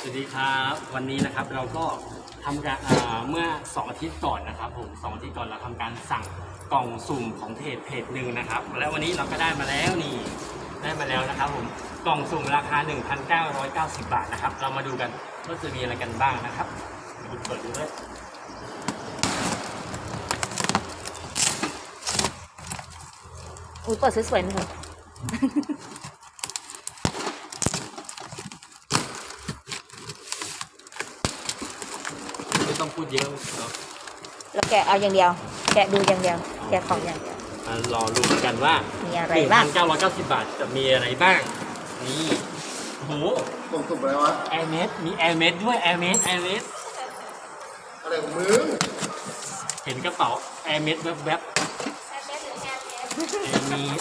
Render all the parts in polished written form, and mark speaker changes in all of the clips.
Speaker 1: สวัสดีครับวันนี้นะครับเราก็ทำการเมื่อ2 อาทิตย์ก่อนนะครับผม2 อาทิตย์ก่อนเราทำการสั่งกล่องสุ่มของเพจหนึ่งนะครับและวันนี้เราก็ได้มาแล้วนี่ได้มาแล้วนะครับผมกล่องสุ่มราคา 1,990 บาทนะครับเรามาดูกันว่าจะมีอะไรกันบ้างนะครับเปิดดูด้วย
Speaker 2: อุ้ยเปิดสวยๆหน่อย
Speaker 1: ไม่ต้องพูดเยอะเนาะ
Speaker 2: แล้วแกะเอาอย่างเดียว แกะดูอย่างเดียว แกะของอย่างเดียว
Speaker 1: รอรู้กันว่า
Speaker 2: มีอะไรบ้าง
Speaker 1: 1,990 บาทจะมีอะไรบ้างนี่โอ้โห
Speaker 3: ส่งสุ่มอะไรวะ
Speaker 1: แอร์เมสมีแอร์เมสด้วยแอร์เมส
Speaker 3: อะไรของมึง
Speaker 1: เห็นกระเป๋าแอร์เมสแวบๆแอร์เมส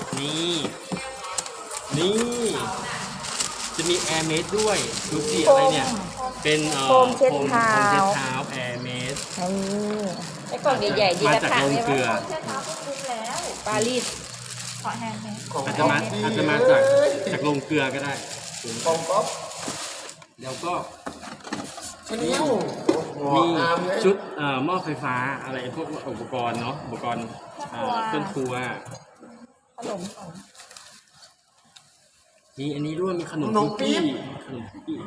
Speaker 1: นี่จะมีแอร์เมสด้วยดูสิอะไรเนี่ยเป็น
Speaker 2: โฟมเช็ดเท้า
Speaker 1: โฟมเช็ดเท้าแอร์เมส
Speaker 2: นี่ไอ้กล่องใหญ่ๆดี
Speaker 1: มา
Speaker 2: นะ
Speaker 1: จาก
Speaker 2: คะ
Speaker 1: โรงเกลือ
Speaker 2: ปารีส
Speaker 3: ของ
Speaker 1: อาจจะมาจากโรงเกลือก็ได้
Speaker 3: ของก๊อฟ
Speaker 1: แล้วก็
Speaker 3: ชนิว
Speaker 1: มี
Speaker 3: อาร์มเลย
Speaker 1: ชุดหม้อไฟฟ้าอะไรพวกอุปกรณ์เนาะอุปกรณ์เครื่องครัว
Speaker 2: ขนม
Speaker 1: มีอันนี้ด้วยมีขนมคุกกี้ขนมคุกกี้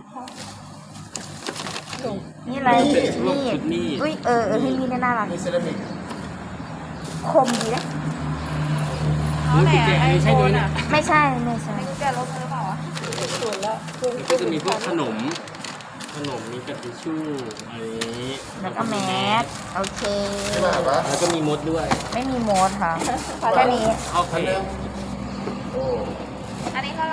Speaker 2: นี่อะไร
Speaker 1: เป็นพวกชุดมีด
Speaker 2: อุ้ยให้มีน่ารัก
Speaker 3: มีเซรามิก
Speaker 2: คมดีนะ
Speaker 1: รู้สึกแกไม่ใช่ด้วยนะ
Speaker 2: ไม่ใช่
Speaker 4: แกลบหรือเปล่าวะศูนย์แล้ว
Speaker 1: ก็จะมีพวกขนมมีกระติชชู่อะไรนี้
Speaker 2: แล้วก็แมสโอเค
Speaker 3: ใช่ป่ะปะ
Speaker 1: แล้วก็มีมดด้วย
Speaker 2: ไม่มีโมดค่ะแค่นี้
Speaker 1: เข้าเพ
Speaker 3: อัน
Speaker 1: จ
Speaker 3: นึง